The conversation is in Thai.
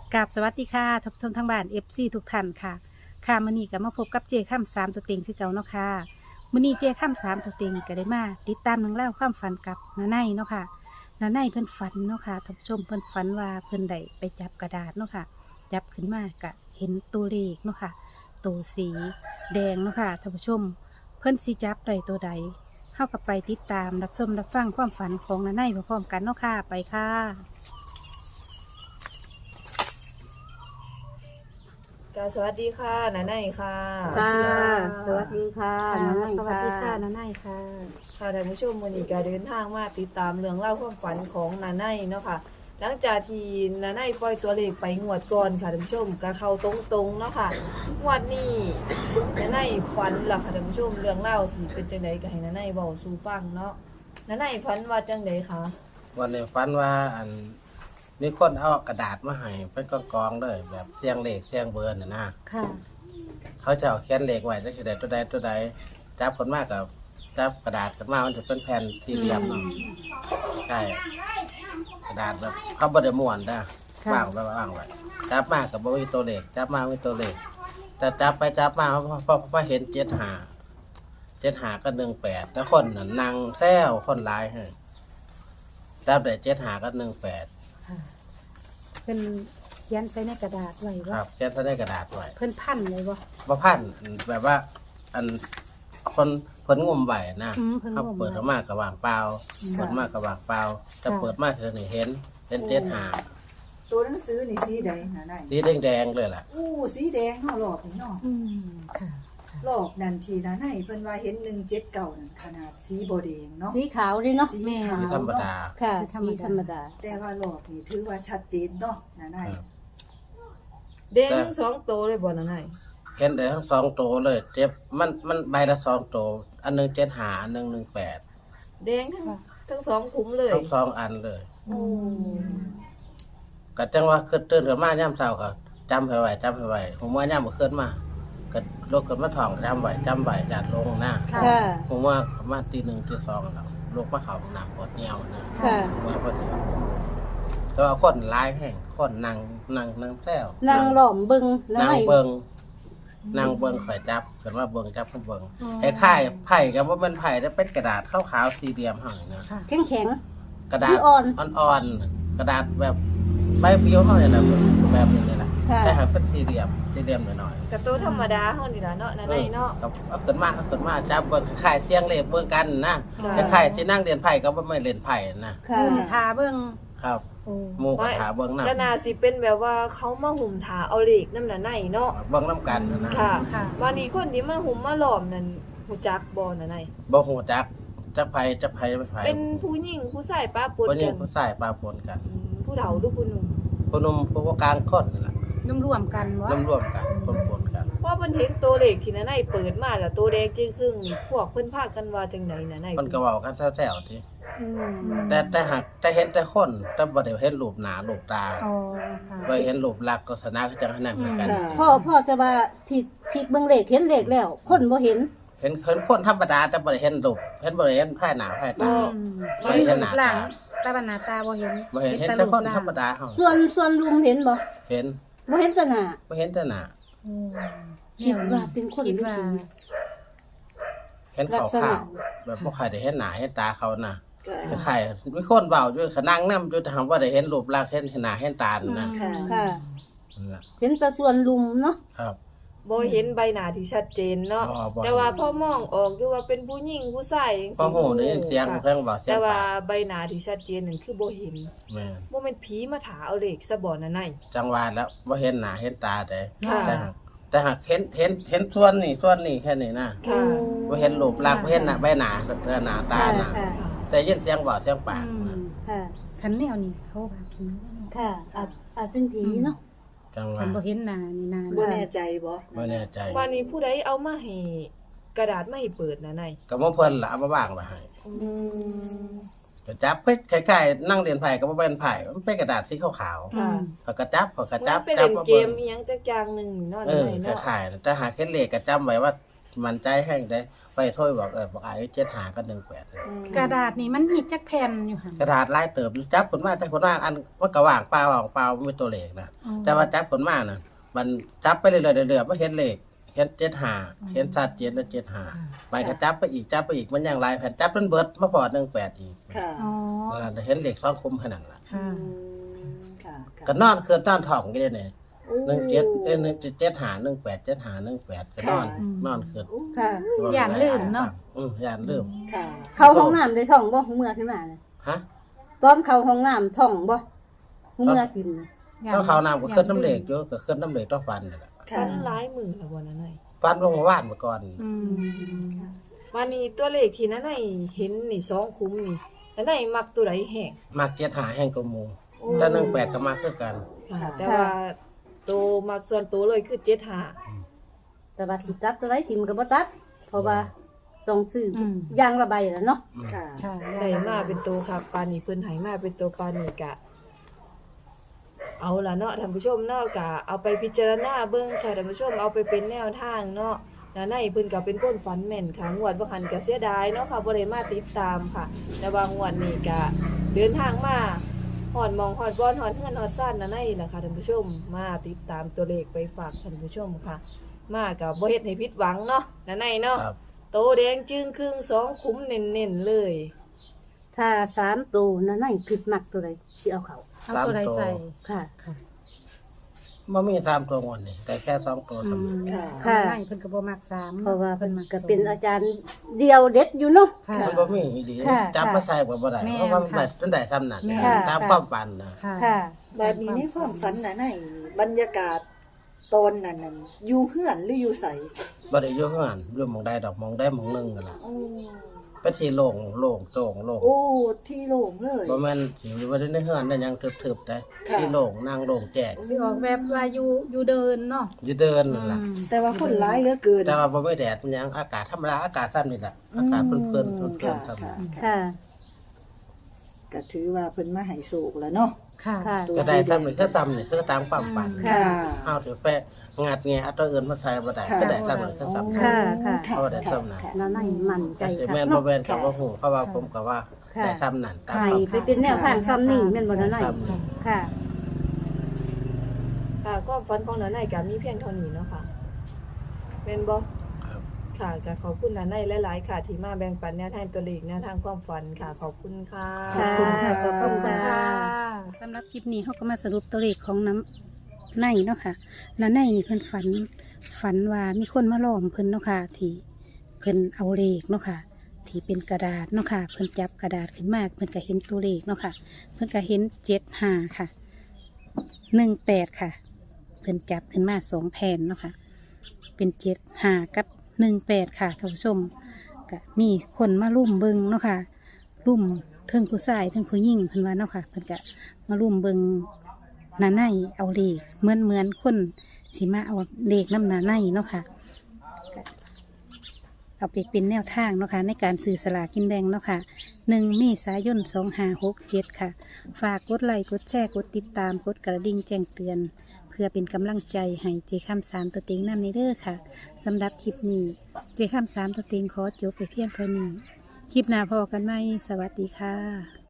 กับสวัสดีค่ะท่านผู้ชมทางบ้าน FC ทุกท่านค่ะค่ะมื้อนี้ก็มาพบกับเจาข้ามสามตัวเต็งคือเก่าเนาะค่ะมื้อนี้เจาข้ามสามตัวเต็งก็ได้มาติดตามเรื่องเล่าวความฝันกับน้าไนเนาะค่ะน้าไนเพิ่นฝันเนาะค่ะท่านผู้ชมเพิ่นฝันว่าเพิ่นได้ไปจับกระดาษเนาะค่ะจับขึ้นมาก็เห็นตัวเลขเนาะค่ะตัวสีแดงเนาะค่ะท่านผู้ชมเพิ่นสิจับได้ตัวใดเฮาก็ไปติดตามรับชมรับฟังความฝันของน้าไนพร้อมๆกันเนาะค่ะไปค่ะสวัสดีค่ะนาไนค่ะค่ะสวัสดีค่ะค่ะน้องไนสวัสดีค่ะค่ะน้าไนค่ะค่ะท่านผู้ชมวันนี้ก็เดินทางมาติดตามเรื่องเล่าวความฝันของนาไนเนาะค่ะหลังจากที่นาไนปล่อยตัวเลขไปงวดก่อนค่ะท่านผู้ชมก็เข้าตรงๆเนาะค่ะงวดนี้นาไนฝันล่ะค่ะท่านผู้ชมเรื่องเล่าวสิเป็นจังไดก็ให้นาไนเว้าสู่ฟังเนาะนาไนฝันว่าจังไดคะวันนี้ฝันว่ามีคนเอากระดาษมาให้เป็นกองๆเลยแบบเสียงเลขเสียงเบอร์น่ะนะค่ะเขาจะเอาเขียนเลขไว้จักตัวใดตัวใดจับคนมากกับจับกระดาษกันมามันจะเป็นแผ่นสี่เหลี่ยมเนาะใช่กระดาษแบบเขาบไดม้วนนะค่ะวางไว้วางไว้จับมากกับบ่มีตัวเลขจับมาไม่ตัวเลขแต่จับไปจับมาพอเห็น7 5ก็18แต่คนน่ะนั่งแซวคนร้ายให้จับได้7 5ก็18 ค่ะเพิ่นเขียนใส่ในกระดาษไว้คว่ารับเขียนใส่ในกระดาษไว้เพิ่นพันเลยบ่บ่พันแบบว่า อันคนเพิ่นงมไว้นะเพิ่นเขางมเปิดออกมาก็ว่างเปล่าเปิดมาก็ว่างเปล่าจะเปิดมาเท่านี้เห็น7 ตัวหนังสือนี่สีใดน่ะไน 5สีแดงๆเลยล่ะอู้สีแดงเนาะหลอกนี่เนาะค่ะหลอกนั่นทีนะไนเพิ่นว่าเห็น179นั่นขนาดสีบ่แดงเนาะสีขาวดิเนาะสีแม่ขาวธรรมดาเนาะค่ะธรรมสีดาธรรมดาแต่ว่าหลอกนี่ถือว่าชัดเจนเนาะนะไนครับเด้งทั้งสองโตวเลยบ่นาไนเห็นได้ทั้งสองตัวเลย เจ็บมันใบละ2ตัวอันหนึง7 5อันหนึง18 เด้งทั้งสองคุ้มเลยทั้งสองอันเลยโอ้ก็จังว่าขึ้นตื่นขึ้นมายามเช้าก็จำให้ไว้ผมว่ายามมื้อคืนมาก็ลุกขึ้นมาท่องจำไว้ญาติลงนะค่ะผมว่าประมาณตี 1ตี 2แล้วลูกมาเขาหนักปวดเหี่ยวนะค่ะว่าพอดีแต่ว่าคนร้ายแห่งคนนั่งแซวนางหล่อมบึงแล้วนั่งให้เบิงนั่งเบิงข่อยจับเกิดว่าเบิงจับก็เบิงไอ้ค่ายไผ่กับว่ามันไผ่แล้วเป็นกระดาษขาวๆสี่เหลี่ยมห่างนะค่ะแข็งแข็งกระดาษอ่อนอ่อนๆกระดาษแบบใบเบี้ยวเท่านี้แหละแบบนี้นี่แหละค่ะแต่หากเป็นสี่เหลี่ยมหน่อยกับตัวธรรมดาเฮานี่ล่ะเนาะนาไนเนาะเอาเกิดมาจับเบิงคล้ายๆเสียงเลขเบิงกันนะค่ะคล้ายๆที่นั่งเรียนไผ่ก็ไม่เรียนไผ่นะค่ะทาเบิ่งครับโอ้หมูกระถาเบิงน้ำก็น่าสิเป็นแบบว่าเขามาหุ่มถาเอาเหล็กน้ำหนาไนเนาะเบิงน้ำกันนะค่ะค่ะวันนี้คนที่มาหุ่มมาหลอมนั่นหูจักบ่หนาไนบ่หูจักไผ่ไม่ไผ่เป็นผู้หญิงผู้ชายป้าปนวันนี้กันผู้ชายปลาปนกันผู้เฒ่าหรือผู้หนุ่มผู้หนุ่มผู้กลางคนนี่แหละร่วมกันบ่ร่วมกันปนกันเพราะเพิ่นเห็นตัวเหล็กที่หนาไนเปิดมาแล้วตัวแดงจึงครึ่งนี่พวกเพิ่นพากันว่าจังไดหนาไนมันก็เว้ากันแซวๆทีอืมแต่หากแต่เห็นแต่คนแต่บ่ได้เห็นรูปหน้ารูปตาอ๋อค่ะบ่เห็นรูปลักษณ์ก็สนาคือจังนั้นเหมือนกันค่ะพ่อจะว่าผิดเบิ่งเลขเห็นเลขแล้ว คนบ่เห็นเห็นคนธรรมดาแต่บ่ได้เห็นรูปบ่ได้เห็นภายหน้าภายตาเห็นรูปร่างตาบรรณาตาบ่เห็นบ่เห็นแต่คนธรรมดาเฮาส่วนลุงเห็นบ่เห็นบ่เห็นแต่หน้าบ่เห็นแต่หน้าคิดว่าเป็นคนคิดหรือว่าผีเห็นลักษขาณะวๆแบบบ่ค่อยได้เห็นหน้าเห็นตาเขาน่ะค่ะใครมีคนเบาอยู่ขนั่งน้ำอยู่แต่ถามว่าได้เห็นรูปลักษณ์เห็นหน้าเห็นตานะค่ะค่ะนั่นล่ะเห็นแต่ส่วนลุมเนาะครับบ่เห็นใบหน้าที่ชัดเจนเนาะบ่แต่ว่าพอมองออกอยู่ว่าเป็นผู้หญิงผู้ชายจังพอหูได้ยินเสียงค่ะเพิ่งบอกเสียแต่งว่าปากใบหน้าที่ชัดเจนนั่นคือบ่เห็นแม่นบ่แม่นผีมาถาเอาเหล็กซะบ่หนาไนจังหวะแล้วว่าเห็นหน้าเห็นตาได้ค่ะแต่หากเห็นส่วนนี้แค่นี้นะค่ะว่าเห็นรูปลักษณ์ว่าเห็นหน้าใบหน้าหน้าตาค่ะน่ะค่ะแต่ยินเสียงบอกเสียงปากค่ะคันแนวนี้เขาว่าผีค่ะอาจเป็นผีเนาะจังหคัวะนบ่เห็นหน้านี่นาบ่แน่ใจบ่ไม่แน่ใจวันนี้ผู้ใดเอามาให้กระดาษมาให้เปิดหนาไนก็บ่เพิ่นล่ะเอามาว่างไว้ให้อืมก็จับเพิ่นคล้ายๆนั่งเรียนไผ่ก็บ่เป็นไผ่มันเป็นกระดาษสีขาวค่ะๆเขาก็จับมันเป็นเล่นเกมอีหยังจักอย่างหนึงเนาะเอหนาอไนเนาะคล้ายๆแต่หากเห็นเลขก็จำไว้ว่ามันใจแห้งได้ไปถ้วยบอกบอกอายุ75กับ18 อืมกระดาษนี่มันมีจักแผ่นอยู่หั่นกระดาษลายเติบจับผลมาแต่ผลมาอันมันก็ว่างเปล่าไม่มีตัวเลขนะอ๋อแต่ว่าจับผลมาน่ะมันจับไปเรื่อยๆเรื่อยๆบ่เห็นเลขเห็น75เห็นชัดเจนแล้ว75ไปก็จับไปอีกมันยังหลายแผ่นจับจนเบิดมาพอ18อีกค่ะอ๋อเห็นเลข2คุมขนาดล่ะค่ะอืมค่ะค่ะก็นอนคือนอนท้องกันนี่17 17 18ก็นอนคืนค่ะย่านลืมเนาะย่านลืมค่ะเข้าห้องน้ำได้ท่องบ่หูเมื่อขึ้นมาน่ะฮะตอนเข้าห้องน้ำท่องบ่หูเมื่อขึ้นน่ะต้องเขาน้ำก็ขึ้นน้ำเหล็กอยู่ก็ขึ้นน้ำเหล็กต้องฟันนั่นแหละค่ะฟันร้ายมือละบ่นั่นไงฟันลงมาว่านมาก่อนอืมวันนี้ตัวเลขที่นั่นไงเห็นนี่2คุ้มนี่นั่นไงมักตัวใดแห้งมาเกียรหาแห้งกระมูแล้ว18ก็มาคือกันค่ะแต่ว่าตัวมักส่วนตัวเลยคือ75 แต่ว่าสิตัดตัวไรทิมก็บ่ตัด เพราะว่าต้องซื้ออมยางระบายแล้วเนาะค่ะค่ะได้มาเป็นตัวครับปานนี้เพิ่นให้มาเป็นตัวปานนี้กะ เอาล่ะเนาะท่านผู้ชมเนาะกะเอาไปพิจารณาเบิ่งค่ะท่านผู้ชมเอาไปเป็นแนวทางเนาะนาในเพิ่นก็เป็นคนฝันแม่นค่ะงวดบ่หันก็เสียดายเนาะค่ะบ่ได้มาติดตามค่ะแต่ว่างวดนี้ก็เดินทางมาฮอดหมองฮอดบอนฮอดเฮือนฮอดซ่านนาในล่ะค่ะท่านผู้ชมมาติดตามตัวเลขไปฝากท่านผู้ชมค่ะ มาก็บ่เฮ็ดให้ผิดหวังเนาะนาในเนาะครับโตแดงจึงครึ่ง2คุ้มเน้นๆเลยถ้า3ตัวนั่นน่ะคิดมักตัวใดสิเอาเขาเอาตัวใดใส่ค่ะค่ะมันมี3ตัวงอนนี่แต่แค่2ตัวอืสำมเร็จค่ะค่ะไม่เพิ่นก็บ่มัก3 เพราะว่าเพิ่นมัก็เป็นอาจารย์เดียวเด็ดอยู่เนาะค่ะมันบ่มีอีหลีค่ะจับมาใส่ก็บ่ได้แม่นเพราะว่ามันได้จนได้ซ้ำนั่นแม่นตามความฝันนะค่ะค่ะบัดนี้ในความฝันน่ะในบรรยากาศตอนนั้นน่ะอยู่เฮือนหรืออยู่ไสบ่ได้อยู่ข้างนั้นอยู่หม่องใดดอกหม่องใดหม่องหนึงนั่นล่ะโอ้เป็นที่โล่งโล่งโล่งโล่งโอ้ที่โล่งเลยบ่แม่นสิบ่ได้ในเฮือนนั่นยังทึบๆได้ค่ะที่โล่งนั่งโล่งแจ้งสิออกแบบว่าอยู่เดินเนาะอยู่เดินนั่นล่ะอืมแต่ว่าคนร้ายเหลือเกินแต่ว่าบ่มีแดดมันยังอากาศธรรมดาอากาศซ้ำนี่ล่ะอากาศเพิ่นๆค่ะเพิ่นๆซ้ำค่ะค่ะก็ถือว่าเพิ่นมาให้โศกแล้วเนาะค่ะค่ะก็ได้ซ้ำนี่คือซ้ำนี่คือตามความฝันค่ะเอาถือไปงัดแงะเอาตัวอื่นมาใส่บ่ได้ค่ะก็ได้ซ้ำนี่คือซ้ำค่ะค่ะค่ะเอาได้ซ้ำนั่นค่ะนั่นน่ะมั่นใจแต่สิค่ะแม่นบ่แม่นก็บ่ฮู้เพราะว่าผมก็ว่าค่ะได้ซ้ำนั่นตามให้ความไปเป็นแนวทางซ้ำนี่แม่นบ่นั่นน่ะซ้ำนี่ค่ะค่ะความฝันของนาไนก็มีเพียงเท่านี้เนาะค่ะเป็นบ่ครับค่ะก็ขอบคุณนาไนหลายๆค่ะ ที่มาแบ่งปันแนวทางตัวเลขแนวทางความฝันค่ะ ขอบคุณค่ะขอบคุณค่ะขอบคุณค่ะสำหรับคลิปนี้เขาก็มาสรุปตัวเลขของน้ำในเนาะค่ะน้ำในนี่เพิ่นฝันว่ามีคนมาล้อมเพิ่นเนาะค่ะที่เพิ่นเอาเลขเนาะค่ะที่เป็นกระดาษเนาะค่ะเพิ่นจับกระดาษขึ้นมาเพิ่นก็เห็นตัวเลขเนาะค่ะเพิ่นก็เห็น75ค่ะ18ค่ะเพิ่นจับขึ้นมา2แผ่นเนาะค่ะเป็น75กับ18ค่ะท่านผู้ชมก็มีคนมาลุ่มเบิงเนาะค่ะลุ่มเทิงผู้ชายเทิงผู้หญิงเพิ่นว่าเนาะค่ะเพิ่นก็มาลุ่มเบิงหน้าในเอาเลขเหมือนคนสิมาเอาเลขน้ำหน้าในเนาะค่ะก็เอาไปเป็นแนวทางเนาะค่ะในการซื้อสลากกินแบ่งเนาะค่ะ1 เมษายน 2567 ค่ะ ฝากกดไลค์กดแชร์กดติดตามกดกระดิ่งแจ้งเตือน เพื่อเป็นกำลังใจให้เจคำ3ตัวเต็งนั่นในเด้อค่ะสำหรับคลิปนี้เจคำ3ตัวเต็งขอจบไปเพียงเท่านี้ คลิปหน้าพอกันไหมสวัสดีค่ะ